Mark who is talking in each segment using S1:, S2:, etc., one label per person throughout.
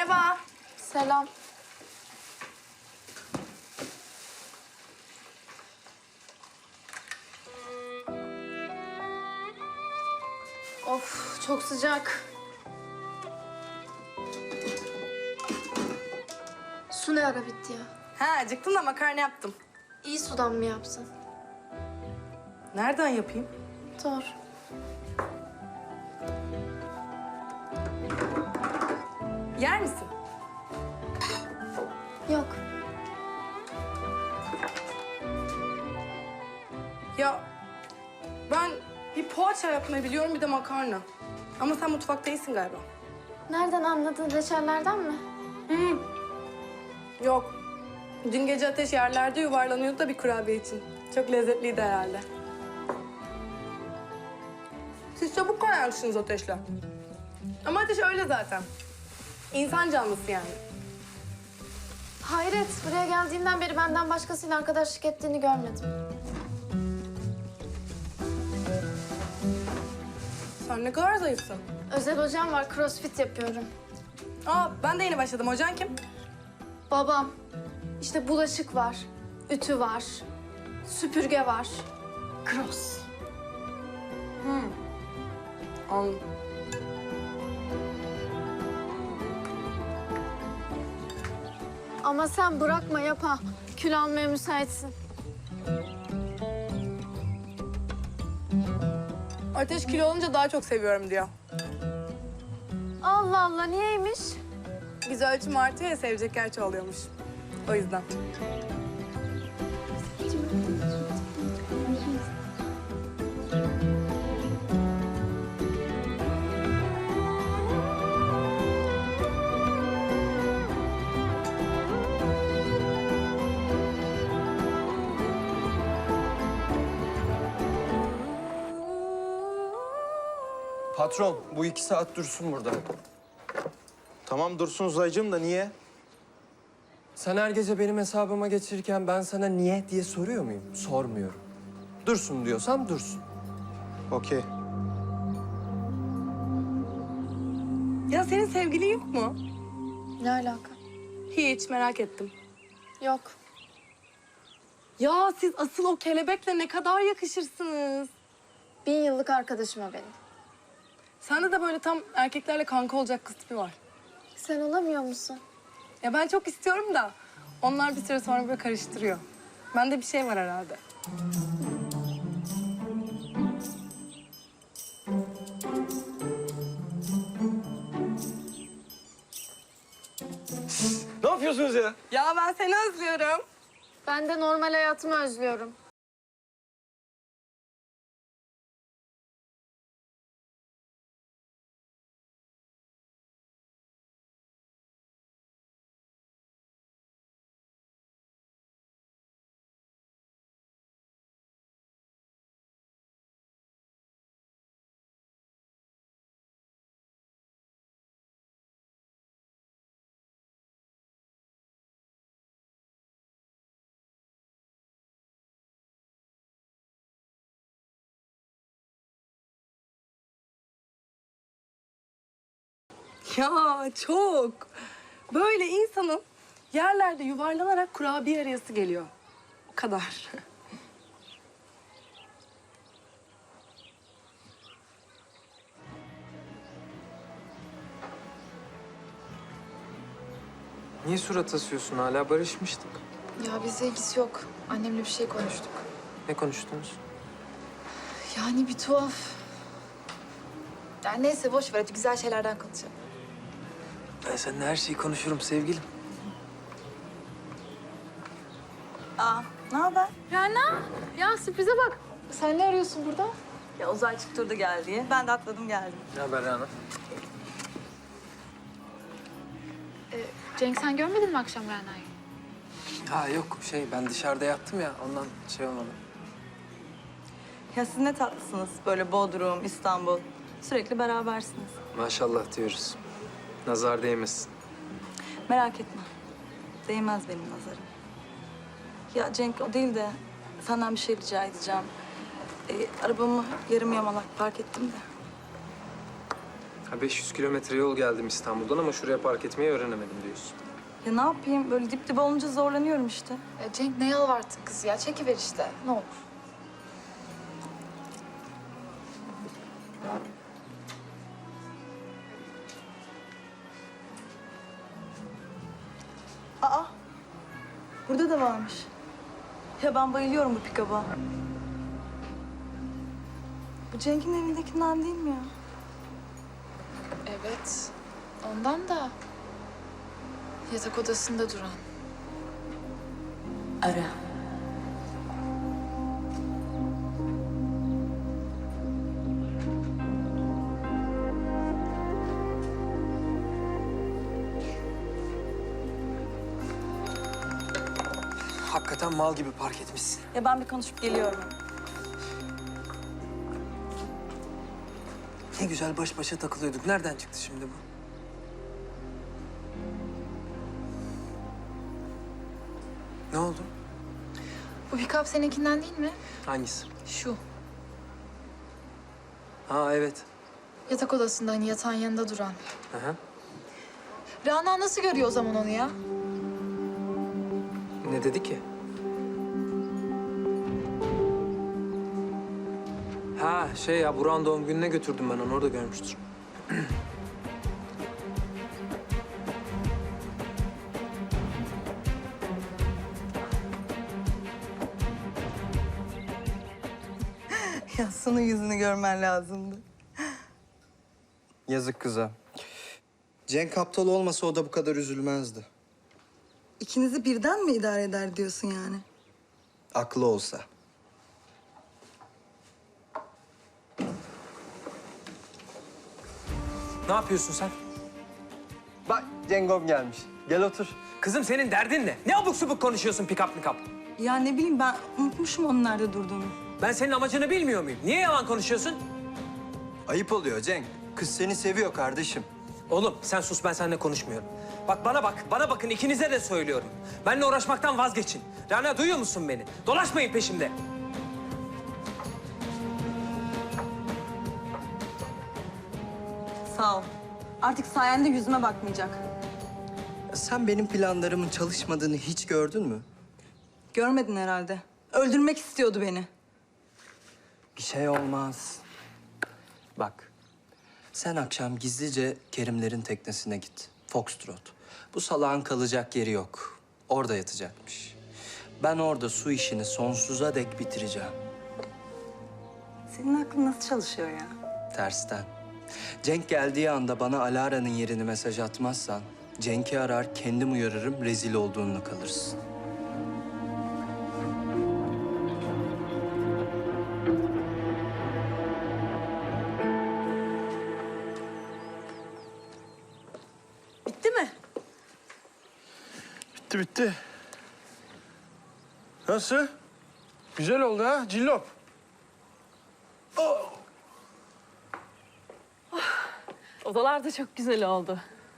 S1: Merhaba.
S2: Selam. Of, çok sıcak. Su ne ara bitti ya?
S1: Ha, acıktım da makarna yaptım.
S2: İyi sudan mı yapsın?
S1: Nereden yapayım?
S2: Doğru.
S1: Yer misin?
S2: Yok.
S1: Ya ben bir poğaça yapmayı biliyorum, bir de makarna. Ama sen mutfak değilsin galiba.
S2: Nereden anladın? Reçellerden mi?
S1: Yok. Dün gece Ateş yerlerde yuvarlanıyordu da bir kurabiye için. Çok lezzetliydi herhalde. Siz çabuk kaynarsınız Ateş'le. Ama Ateş öyle zaten. İnsan canlısı yani.
S2: Hayret, buraya geldiğinden beri benden başkasıyla arkadaşlık ettiğini görmedim.
S1: Sen ne kadar zayıfsın.
S2: Özel hocam var, crossfit yapıyorum.
S1: Aa, ben de yeni başladım. Hocan kim?
S2: Babam. İşte bulaşık var, ütü var, süpürge var. Cross.
S1: Anladım.
S2: Ama sen bırakma yapa. Kül almaya müsaitsin.
S1: Ateş kilo olunca daha çok seviyorum diyor.
S2: Allah Allah, niyeymiş?
S1: Biz ölçüm artıyor ya, sevecek yer çoğalıyormuş. O yüzden.
S3: Patron, bu 2 saat dursun burada.
S4: Tamam dursun Uzaycığım da niye?
S3: Sen her gece benim hesabıma geçirirken ben sana niye diye soruyor muyum? Sormuyorum. Dursun diyorsam dursun.
S4: Okey.
S1: Ya senin sevgilin yok mu?
S2: Ne alaka?
S1: Hiç, merak ettim.
S2: Yok.
S1: Ya siz asıl o kelebekle ne kadar yakışırsınız.
S2: 1000 yıllık arkadaşım o benim.
S1: Sende de böyle tam erkeklerle kanka olacak kız tipi var.
S2: Sen olamıyor musun?
S1: Ya ben çok istiyorum da onlar bir süre sonra böyle karıştırıyor. Bende bir şey var herhalde.
S4: Ne yapıyorsunuz ya?
S1: Ya ben seni özlüyorum.
S2: Ben de normal hayatımı özlüyorum.
S1: Ya çok. Böyle insanın yerlerde yuvarlanarak kurabiye arayası geliyor. O kadar.
S3: Niye surat asıyorsun? Hala barışmıştık.
S5: Ya bizle ilgisi yok. Annemle bir şey konuştuk.
S3: Ne konuştunuz?
S5: Yani bir tuhaf. Ya neyse boş ver hadi güzel şeylerden konuşalım.
S3: Ben seninle her şeyi konuşurum sevgilim.
S6: Ne haber?
S2: Ya sürprize bak.
S5: Sen ne arıyorsun burada?
S6: Ya Uzay çıktırdı gel diye. Ben de atladım geldim.
S3: Ne haber Rana?
S5: Cenk sen görmedin mi akşam Rana'yı?
S3: Ha yok ben dışarıda yattım ya ondan olmadı.
S6: Ya siz ne tatlısınız. Böyle Bodrum, İstanbul. Sürekli berabersiniz.
S3: Maşallah diyoruz. Nazar değmesin.
S6: Merak etme. Değmez benim nazarım. Ya Cenk o değil de senden bir şey rica edeceğim. Arabamı yarım yamalak park ettim de.
S7: Ha, 500 kilometre yol geldim İstanbul'dan ama şuraya park etmeyi öğrenemedim diyorsun.
S6: Ya ne yapayım? Böyle dip dibe olunca zorlanıyorum işte.
S5: Ya Cenk ne yalvarttın kız ya? Çekiver işte. Ne olur.
S6: Aa! Burada da varmış. Ya ben bayılıyorum bu pikaba. Bu Cenk'in evindekinden değil mi ya?
S5: Evet. Ondan da yatak odasında duran.
S2: Ara.
S3: Hakikaten mal gibi park etmişsin.
S6: Ya ben bir konuşup geliyorum.
S3: Ne güzel baş başa takılıyorduk. Nereden çıktı şimdi bu? Ne oldu?
S5: Bu pikap seninkinden değil mi?
S3: Hangisi?
S5: Şu.
S3: Ha evet.
S5: Yatak odasında hani yatağın yanında duran.
S3: Hı hı.
S5: Rana nasıl görüyor o zaman onu ya?
S3: Ne dedi ki? Ha şey ya Burak'ın doğum gününe götürdüm ben onu orada görmüştür.
S6: Ya Sun'un yüzünü görmen lazımdı.
S4: Yazık kıza. Cenk aptal olmasa o da bu kadar üzülmezdi.
S6: İkinizi birden mi idare eder diyorsun yani?
S4: Aklı olsa.
S3: Ne yapıyorsun sen?
S4: Bak Cengom gelmiş. Gel otur.
S3: Kızım senin derdin ne? Ne abuk subuk konuşuyorsun pikap mikap?
S6: Ya ne bileyim ben unutmuşum onun nerede durduğunu.
S3: Ben senin amacını bilmiyor muyum? Niye yalan konuşuyorsun?
S4: Ayıp oluyor Cenk. Kız seni seviyor kardeşim.
S3: Oğlum sen sus ben seninle konuşmuyorum. Bak bana bakın ikinize de söylüyorum. Benimle uğraşmaktan vazgeçin. Rana duyuyor musun beni? Dolaşmayın peşimde.
S6: Sağ ol. Artık sayende yüzüme bakmayacak.
S4: Sen benim planlarımın çalışmadığını hiç gördün mü?
S6: Görmedin herhalde. Öldürmek istiyordu beni.
S4: Bir şey olmaz. Bak, sen akşam gizlice Kerimlerin teknesine git. Foxtrot. Bu salağın kalacak yeri yok. Orada yatacakmış. Ben orada su işini sonsuza dek bitireceğim.
S6: Senin aklın nasıl çalışıyor ya?
S4: Tersten. Cenk geldiği anda bana Alara'nın yerini mesaj atmazsan... Cenk'i arar, kendim uyarırım, rezil olduğunla kalırsın.
S6: Bitti mi?
S8: Bitti bitti. Nasıl? Güzel oldu ha cillop.
S1: Odalar da çok güzel oldu.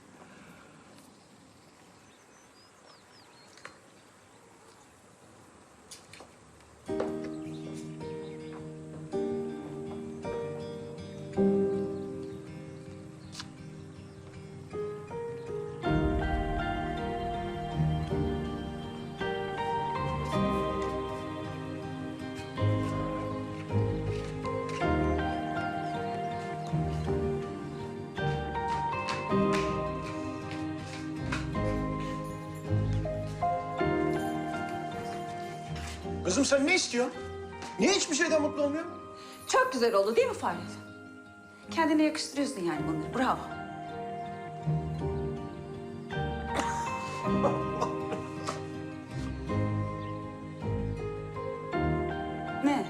S8: Kızım sen ne istiyorsun? Niye hiçbir şeyden mutlu olmuyorsun?
S9: Çok güzel oldu değil mi Fahret? Kendine yakıştırıyorsun yani bunları. Bravo. Ne?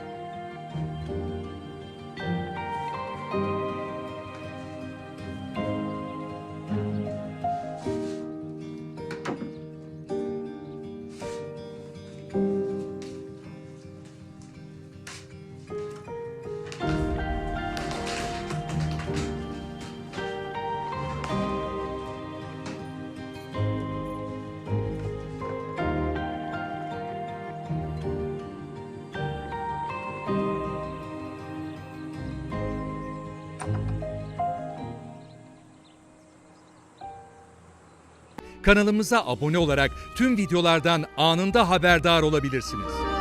S10: Kanalımıza abone olarak tüm videolardan anında haberdar olabilirsiniz.